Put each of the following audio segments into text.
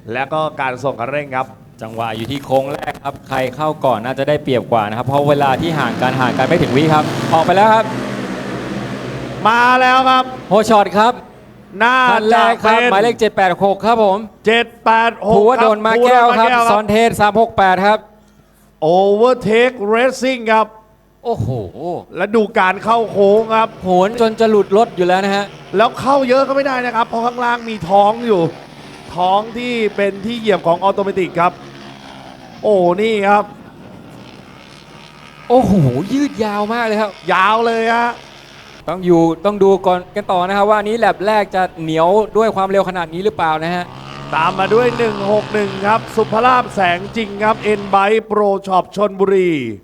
และก็การส่งคันเร่งครับจังหวะอยู่ที่โค้งแรกครับใครเข้าก่อนน่าจะได้เปรียบกว่านะครับเพราะเวลาที่ห่างกันไม่ถึงวิครับออกไปแล้วครับมาแล้วครับโฮช็อตครับน่าคันแรจะกครับเป็นหมายเลข786ครับผม 786 ภูวดลมาแก้วครับซอนเทส368ครับ Overtake Racing ครับโอ้โหและดูการเข้าโค้งครับโหนจนจะหลุดรถอยู่แล้วนะฮะแล้วเข้าเยอะก็ไม่ได้นะครับ เพราะข้างล่างมีท้องอยู่ ท้องที่เป็นที่เหยียบของออโตเมติกครับ โอ้นี่ครับโอ้โหยืดยาวมากเลยครับยาวเลยฮะต้องดูก่อนกันต่อนะครับว่าอันนี้แลบแรกจะเหนียวด้วยความเร็วขนาดนี้หรือเปล่านะฮะตามมาด้วย 161 ครับ สุภราพแสงจริงครับเอ็นไบโปรช็อปชนบุรี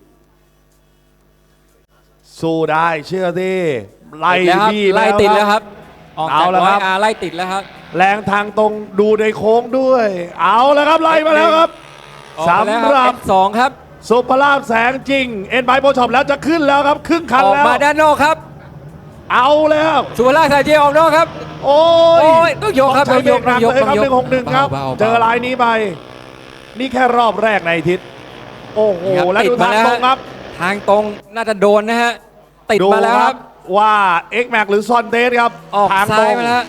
สู้ได้เชื่อที่ไล่ติดแล้วครับพี่ไล่ติดแล้วครับออกเอาจากแล้วร้คอรัยบอาไล่ติดแล้วครับแรงทางตรงดูในโค้งด้วย เอาแล้วครับไล่มาแล้วครับออกมาแล้วสำหรับสองครับสุภราพแสงจริงเอ็นไบโปรช็อปแล้วจะขึ้นแล้วครับครึ่งคันออกแล้วมาด้านนอกครับเอาแล้วสุภราพสายเจออกนอกครับโอ้โอ้ยต้องยกครับใช้เบรกหนักต้องยกเลยครับต้องยก 161 ครับเบาๆเจอลายนี้ไป นี่แค่รอบแรกในอาทิตย์ โอ้โหครับแล้วดูติดทางมาแล้วตรงครับทางตรงน่าจะโดนนะฮะติดดูมาแล้วครับว่า X Max หรือซอนเตสครับออกทางตรซ้ายงมาแล้ว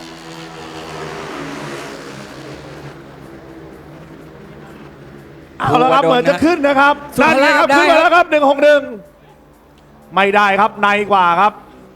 เอาแล้วครับดูว่าโดนเหมือนจะนะขึ้นนะครับสุภาพนั่นเลยครับได้ขึ้นมาแล้วครับ161ไม่ได้ครับในกว่าครับ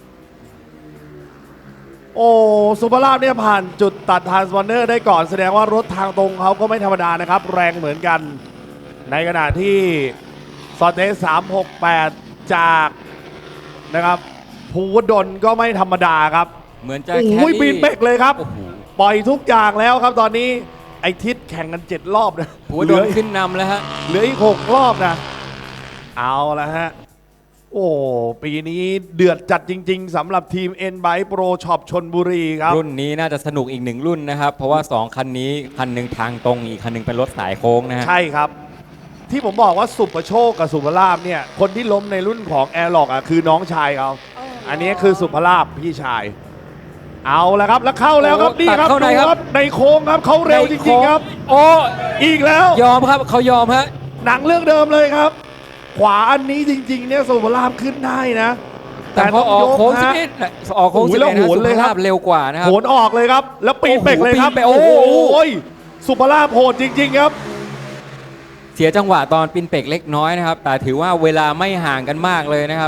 โอ้สุภาพเนี่ยผ่านจุดตัดทรานสปอนเนอร์ได้ก่อนแสดงว่ารถทางตรงเขาก็ไม่ธรรมดานะครับ แรงเหมือนกัน ในขณะที่ซอนเตส368 จากนะครับภูวดลก็ไม่ธรรมดาครับเหมือนจะโอ้แคยรี่ปีนเป๊กเลยครับโอ้โหปล่อยทุกอย่างแล้วครับตอนนี้ไอทิศแข่งกัน 7 รอบนะหัวโดนขึ้นนำแล้วฮะเหลืออีก 6 รอบนะ เอาละฮะ โอ้ปีนี้เดือดจัดจริง ๆสำหรับทีม N Bike Pro Shop ชนบุรีครับรุ่นนี้น่าจะสนุกอีกหนึ่งรุ่นนะครับ เพราะว่า 2 คันนี้คันหนึ่งทางตรงอีกคันหนึ่งเป็นรถสายโค้งนะฮะใช่ครับ ที่ผมบอกว่าสุประโชคกับสุภลาภเนี่ย คนที่ล้มในรุ่นของแอร์ล็อกอ่ะคือน้องชายเขา อันนี้คือสุภลาภพี่ชาย เอาละครับแล้วเข้าแล้วครับโอ้นี่ครับตัดเข้าในดูครับในโค้งครับเขาเร็วจริงๆครับโอ้อีกแล้วยอมครับเขายอมฮะหนังเรื่องเดิมเลยครับ ขวาอันนี้จริงๆเนี่ยสุภลาภขึ้นได้นะแต่พอออกโค้งสิบฮะเอ็ดออกโค้งโอ้สิยบแล้วเอ็ดโหนเลยครับสุภาพเร็วกว่านะครับโหนออกเลยครับ แล้วปีนเป็กเลยครับโอ้โหปีนเป็กโอ้โอ้โหโหสุภลาภโหดจริงๆครับเสียจังหวะตอนปินเป็กเล็กน้อยนะครับ แต่ถือว่าเวลาไม่ห่างกันมากเลยนะครับ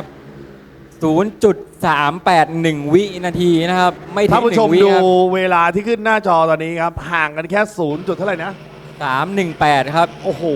0.381 วินาทีนะครับ ไม่ถึท่าง นผู้ชม 1 วิดูครับเวลาที่ขึ้นหน้าจอตอนนี้ครับ ห่างกันแค่0จุดเท่าไหร่นะ 318 ครับโอ้โห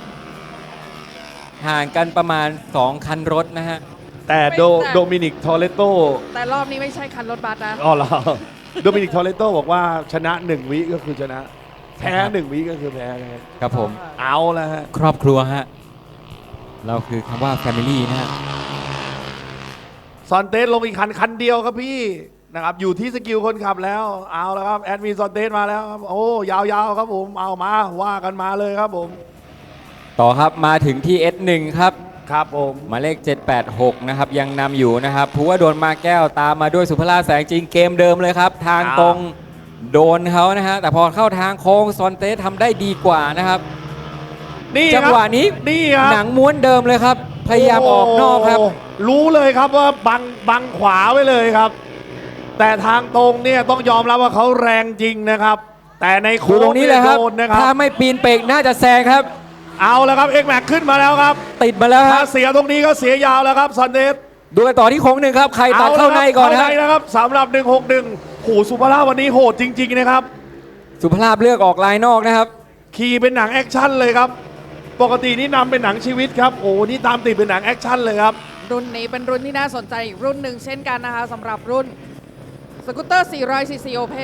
ห่างกันประมาณ 2 คันรถนะฮะแต่โดมินิกทอเรโตแต่รอบนี้ไม่ใช่คันรถบัสนะอ๋อเหรอโดมินิกทอเรโตบอกว่าชนะ 1 วิก็คือชนะ แพ้ 1 วิก็คือแพ้นะครับครับผมเอาแล้วฮะครอบครัวฮะ เราคือคำว่า Family นะฮะซอนเตสลงอีกคันเดียวครับพี่นะครับอยู่ที่สกิลคนขับแล้วเอาแล้วครับแอดมินซอนเตสมาแล้วครับโอ้ยาวๆครับผมเอามาว่ากันมาเลยครับผมต่อครับมาถึงที่ S1 ครับครับผมหมายเลข 786 นะครับ ยังนำอยู่นะครับภูวดลมาแก้วตามมาด้วยสุภราพแสงจริงเกมเดิมเลยครับ ทางตรงโดนเขานะฮะ แต่พอเข้าทางโค้งซอนเตสทำได้ดีกว่านะครับนี่จังหวะนี้นี่ครับหนังม้วนเดิมเลยครับ พยายามออกนอกครับโรู้เลยครับว่าบังขวาไว้เลยครับ แต่ทางตรงเนี่ยต้องยอมรับว่าเขาแรงจริงนะครับ แต่ในดูโค้ตรง งนี้เลยครับโดนนะครัถ้าบไม่ปีนเปกน่าจะแซงครับเอาแล้วครับเอ็กแม็กขึ้นมาแล้วครับติดมาแล้วคถ้ารับเสียตรงนี้ก็เสียยาวแล้วครับซอนเตสดูกันต่อที่โค้งหนึ่งครับ ใครตัดเข้าในก่อนนะเข้าฮะในนะครับสำหรับ161โหสุภาพวันนี้โหดจริง ๆนะครับสุภราพเลือกออกลายนอกนะครับขี่เป็นหนังแอคชั่นเลยครับ ปกตินี่นำเป็นหนังชีวิตครับ โอ้นี่ตามติดเป็นหนังแอคชั่นเลยครับรุ่นนี้เป็นรุ่นที่น่าสนใจอีกรุ่นหนึ่งเช่นกันนะคะสำหรับรุ่นสกูตเตอร์ 400cc Open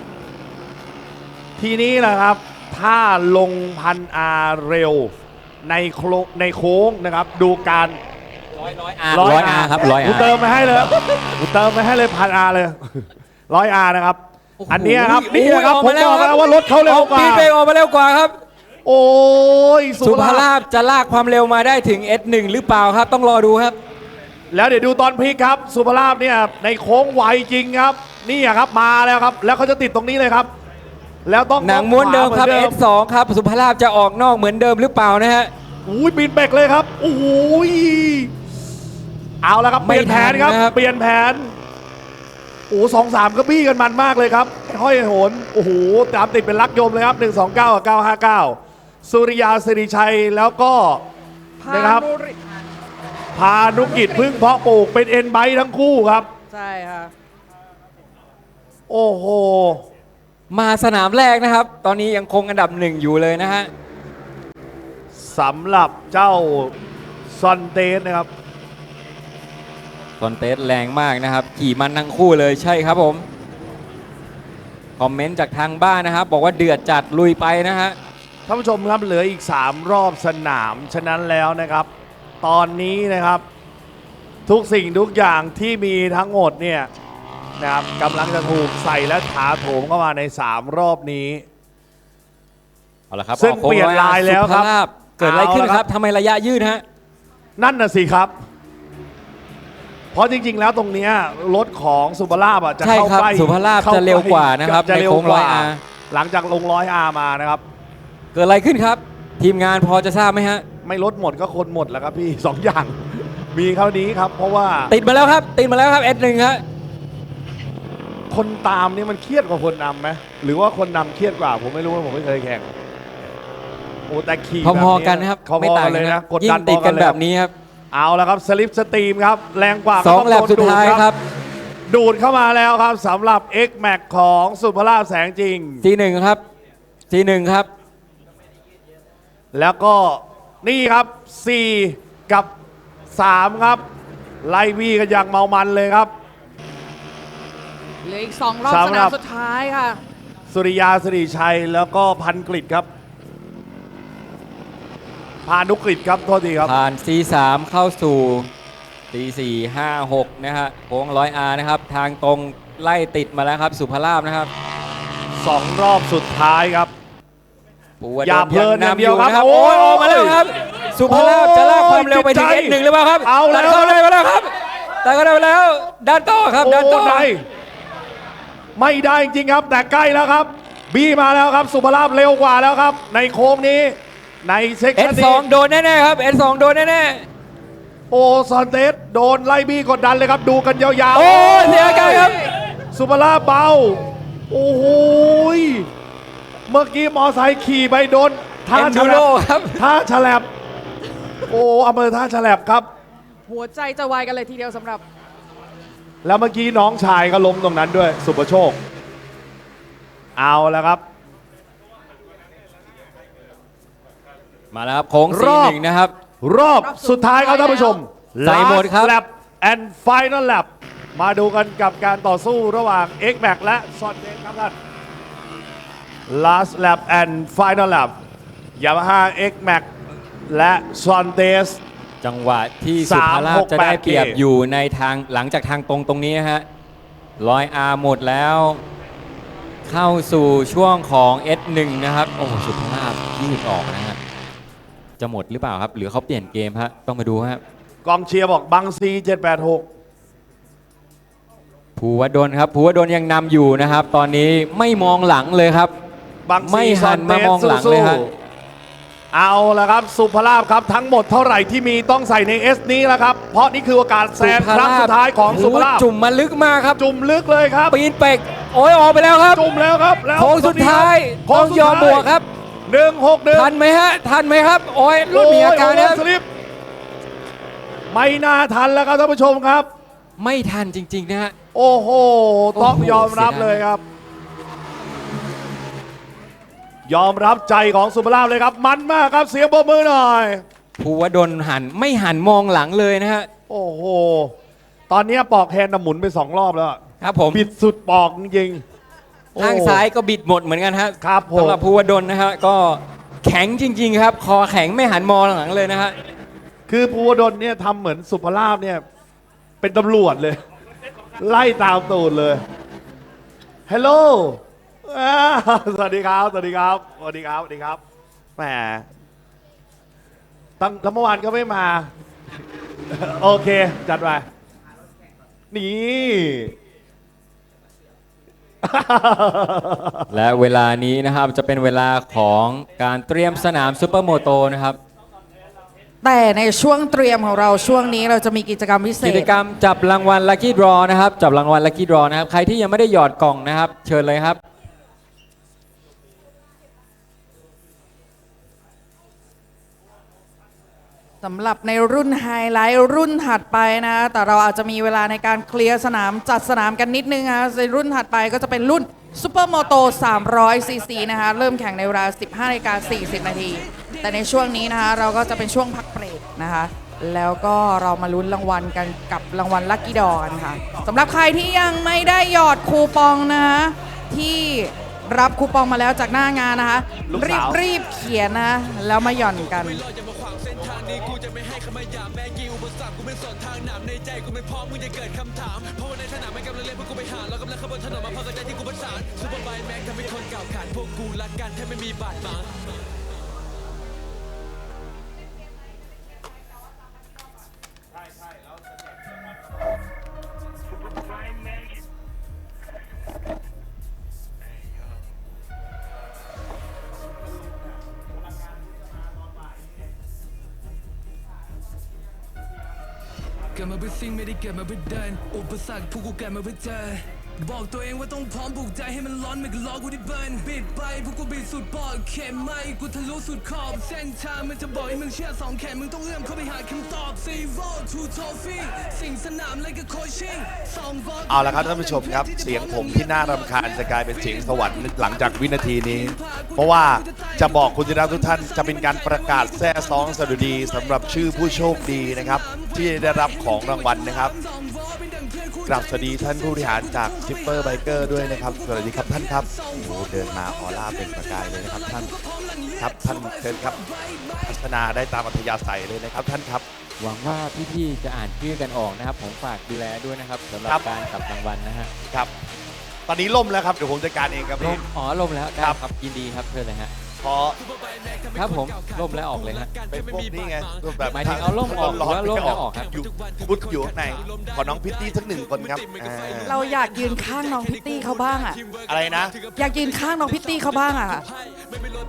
ทีนี้แหละครับ ถ้าลงพันอาเร็วในโค้งนะครับ ดูการร้อยอาครับร้อยกูอาเติมมาให้เลยกูเติมมาให้เลยพันอาเลย100 อานะครับโอ้โหอันเนี้ยครับโอ้โหนี่นะครับออกผมมาแล้วบอกครับแล้วว่ารถเขาเร็วกว่าปีนเปกออกมาเร็วกว่าครับโอ้ยสุภราพจะลากความเร็วมาได้ถึง S1 หรือเปล่าครับ ต้องรอดูครับแล้วเดี๋ยวดูตอนพลิกครับ สุภราพเนี่ยในโค้งไวจริงครับ นี่อะครับมาแล้วครับ แล้วเขาจะติดตรงนี้เลยครับแล้วต้องหนังม้วนเดิมครับขวาหอน S2 ครับสุภาพจะออกนอกเหมือนเดิมหรือเปล่านะฮะอุ้ยบินเบรกเลยครับโอ้ยเอาแล้วครับเปไม่ลี่ยนแผนครับทันนะครับเปลี่ยนแผนโอ้2-3ก็บี้กันมันมากเลยครับห้อยโหนโอ้โหตามติดเป็นลักยมเลยครับ129กับ959สุริยาสิริชัยแล้วก็พานะครับนุริพานุกิจพึ่งเพาะปลูกเป็นเอ็นไบทั้งคู่ครับใช่ค่ะโอ้โหมาสนามแรกนะครับ ตอนนี้ยังคงอันดับ 1อยู่เลยนะฮะสำหรับเจ้าซอนเตสนะครับคอนเทสแรงมากนะครับ ขี่มันทั้งคู่เลยใช่ครับผม คอมเมนต์จากทางบ้านนะครับ บอกว่าเดือดจัดลุยไปนะฮะท่านผู้ชมครับเหลืออีก 3 รอบสนาม ฉะนั้นแล้วนะครับ ตอนนี้นะครับ ทุกสิ่งทุกอย่างที่มีทั้งหมดเนี่ยนะครับกำลังจะถูกใส่และถาโถมเข้ามาใน 3 รอบนี้เอาละครับซึ่งออกโค้เปลี่ยนลายแล้วครับสุภาพเกิดอะไรขึ้นเอาละคครัรับ บทำไมระยะยืดฮะนั่นน่ะสิครับ เพราะจริงๆแล้วตรงเนี้ยรถของสุภาพอ่ะจะใช่เข้าครับใกล้สุภาพเข้จะเร็วกว่านะครับจะในเร็วโค้งกว่า 100R หลังจากลง100R มานะครับเกิดอะไรขึ้นครับ ทีมงานพอจะทราบไหมฮะไม่ลดหมดก็คนหมดแล้วครับพี่ 2 อย่าง มีเท่านี้ครับ เพราะว่าติดมาแล้วครับ ติดมาแล้วครับ S1 ครับคนตามนี่มันเครียดกว่าคนนำไหมหรือว่าคนนำเครียดกว่าผมไม่รู้ว่าผมไม่เคยแข่งโอ้แต่ขี่พอๆกันนะครับพอไม่ๆต่างกันเลยนะนะกดยิ่ดังนติดกันพอเลยแบบนี้ครับเอาแล้วครับสลิปสตรีมครับแรงกว่าสองก็แลบโนสุดท้ายดูครับดูดเข้ามาแล้วครับสำหรับ X Max ของสุภาพแสงจริง G1 ครับ G1 ครับแล้วก็นี่ครับ 4 กับ 3 ครับ ไล่วีกันอย่างเมามันเลยครับเหลืออีก 2 รอบสำสหรันามบสุดท้ายค่ะสุริยาสิริชัยแล้วก็พันกฤษครับ พานุกฤษครับโทษทีครับผ่าน C3 เข้าสู่ C4 5 6นะฮะโค้ง 100R นะครับ ทางตรงไล่ติดมาแล้วครับ สุภาพนะครับ 2 รอบสุดท้ายครับปูวดลอย่าเพลินอย่างเดียวครับนะครับโอ้โอ้ยยออกมาแล้วครับ สุภาพจะลากความเร็วไปถึงจิตใจ S1 หรือเปล่าครับเอาแล้วตัดเข้าได้มาแล้วครับแต่ก็ได้มาแล้วด้านต่อครับด้านต่อโได้ไม่ได้จริงครับ แต่ใกล้แล้วครับ บีมาแล้วครับ สุภาพเร็วกว่าแล้วครับ ในโค้งนี้ ในเซ็กชัน S2 นี้โดนแน่ๆครับ S2 โดนแน่โอ้ซอนเตสโดนไล่บีกดดันเลยครับ ดูกันยาวๆโอ้ยเสียอาการครับสุภาพเบา โอ้โหยเมื่อกี้มอไซค์ขี่ไปโดนท่าเอ็นฉดูลัโร่บครับท่าฉลับ โอ้อำเภอท่าฉลับครับหัวใจจะวายกันเลยทีเดียวสำหรับแล้วเมื่อกี้น้องชายก็ล้มตรงนั้นด้วย สุประโชค เอาแล้วครับมาแล้วครับโค้งรอบ C1 นะครับรอบสุดท้ายครับท่านผู้ชมใส่หมดครับ Last lap and final lap มาดูกันกับการต่อสู้ระหว่าง X Max และ s o n เ e ครับท่าน Last lap and final lap Yamaha X Max และ s o n t e s จังหวะที่สุภาพจะได้เปรียบอยู่ในทางหลังจากทางตรงตรงนี้นะฮะ100R หมดแล้ว เข้าสู่ช่วงของ S1 นะครับ โอ้โหสุภาพยืดออกนะฮะจะหมดหรือเปล่าครับ หรือเขาเปลี่ยนเกมฮะต้องมาดูฮะกองเชียร์บอกบังซี786 ภูวดลครับภูวดลยังนำอยู่นะครับ ตอนนี้ไม่มองหลังเลยครับบังซีไม่หันมามองหลังเลยฮะเอาละครับ สุภาพครับทั้งหมดเท่าไหร่ที่มีต้องใส่ใน S นี้แล้วครับ เพราะนี่คือโอกาสแซงครั้งสุดท้ายของสุภาพจุ่มมาลึกมากครับจุ่มลึกเลยครับปีนเป็กโอ้ยออกไปแล้วครับจุ่มแล้วครับแล้วโค้งสุดท้ายโค้ต้องสุดยอมท้าบวกครับ 161 ทันไหมฮะ ทันไหมครับ โอ้ยรถมีอาการโโหนะครับสลิปไม่น่าทันแล้วครับท่านผู้ชมครับไม่ทันจริง ๆ นะฮะโอ้โห ต้องโอ้โหยอมรับเสียดายเลยครับ ยอมรับใจของสุภาพเลยครับ มันมากครับเสียงปรบมือหน่อยภูวดลไม่หันมองหลังเลยนะฮะโอ้โห ตอนนี้ปอกแฮนด์น่ะหมุนไป2 รอบแล้วครับผมบิดสุดปอกจริงๆโอ้ข้างซ้ายก็บิดหมดเหมือนกันฮะครับผมสำหรับภูวดลนะฮะ ก็แข็งจริง ๆ ครับ คอแข็งไม่หันมองหลังเลยนะฮะคือภูวดลเนี่ยทำเหมือนสุภาพเนี่ยเป็นตำรวจเลย ไล่ตามตูดเลยฮัลโหลสวัสดีครับ สวัสดีครับ สวัสดีครับ สวัสดีครับ แหมตั้งเมื่อวานก็ไม่มา โอเค จัดไป นี่และเวลานี้นะครับจะเป็นเวลาของการเตรียมสนามซูเปอร์โมโตนะครับแต่ในช่วงเตรียมของเราช่วงนี้เราจะมีกิจกรรมพิเศกิจษกรรมจับรางวัล Lucky Draw นะครับจับรางวัล Lucky Draw นะครับใครที่ยังไม่ได้หยอดกล่องนะครับ เชิญเลยครับสำหรับในรุ่นไฮไลท์รุ่นถัดไปนะ แต่เราอาจจะมีเวลาในการเคลียร์สนามจัดสนามกันนิดนึงนะในรุ่นถัดไปก็จะเป็นรุ่นซูเปอร์โมโต300 ซีซีนะคะเริ่มแข่งในเวลา 15:40 นาที แต่ในช่วงนี้นะคะเราก็จะเป็นช่วงพักเบรกนะคะ แล้วก็เรามาลุ้นรางวัลกันกับรางวัลลัคกี้ดอกันค่ะสำหรับใครที่ยังไม่ได้หยอดคูปองนะคะที่รับคูปองมาแล้วจากหน้างานนะคะลูกสาวรีบเขียนนะแล้วมาหย่อนกันเกิดมาเพื่อซิ่งไม่ได้เกิดมาเพื่อเดินอุปสรรคพวกกูเกิดมาเพื่อเจอบอกตัวเองว่าต้องพร้อมปลุกใจให้มันร้อนไม่ก็ล้อกูได้เบิร์นบิดไปพวกกูบิดสุดปอดเข็มไม่กูทะลุสุดขอบเส้นทางมันจะบอกให้มึงเชื่อสองแขนมึงต้องเอื้อมเข้าไปหาคำตอบZero to Trophy สิ่งสนามเลยก็โคชชิ่งสองบอลเอาละครับท่านผู้ชมครับเสียงผมที่น่ารำคาญจะกลายเป็นเสียงสวรรค์หลังจากวินาทีนี้ เพราะว่าจะบอกคุณที่รักทุกท่านจะเป็นการประกาศแซ่ซ้องสดุดีสำหรับชื่อผู้โชคดีนะครับที่ได้รับของรางวัลนะครับกราบสวัสดีท่านผู้บริหารจากซิปเปอร์ไบเกอร์ด้วยนะครับสวัสดีครับท่านครับโอ้โหเดินมาออร่าเป็นประกายเลยนะครับท่านครับท่านเชิญครับพัฒนาได้ตามอัธยาศัยเลยนะครับท่านครับหวังว่าพี่ๆจะอ่านชื่อกันออกนะครับ ผมฝากดูแลด้วยนะครับสำหรับครับการจับรางวัลนะฮะครับ ตอนนี้ล่มแล้วครับเดี๋ยวผมจัดการเองครับล่พี่มอ๋อล่มแล้วได้ครับครับยินดีครับเชิญเลยฮะเพราะครับผมล่มแล้วออกเลยฮะเป็นพวกนี้ไงแบบหมายถึงเอาร่มออกร้อนหรือว่าร่มแล้วออกครับอยู่พุดอยู่ข้างในขอน้องพิตตี้สักหนึ่งคนครับอ่าเราอยากยืนข้างน้องพิตตี้เขาบ้างอ่ะอะไรนะอยากยืนข้างน้องพิตตี้เขาบ้างอ่ะ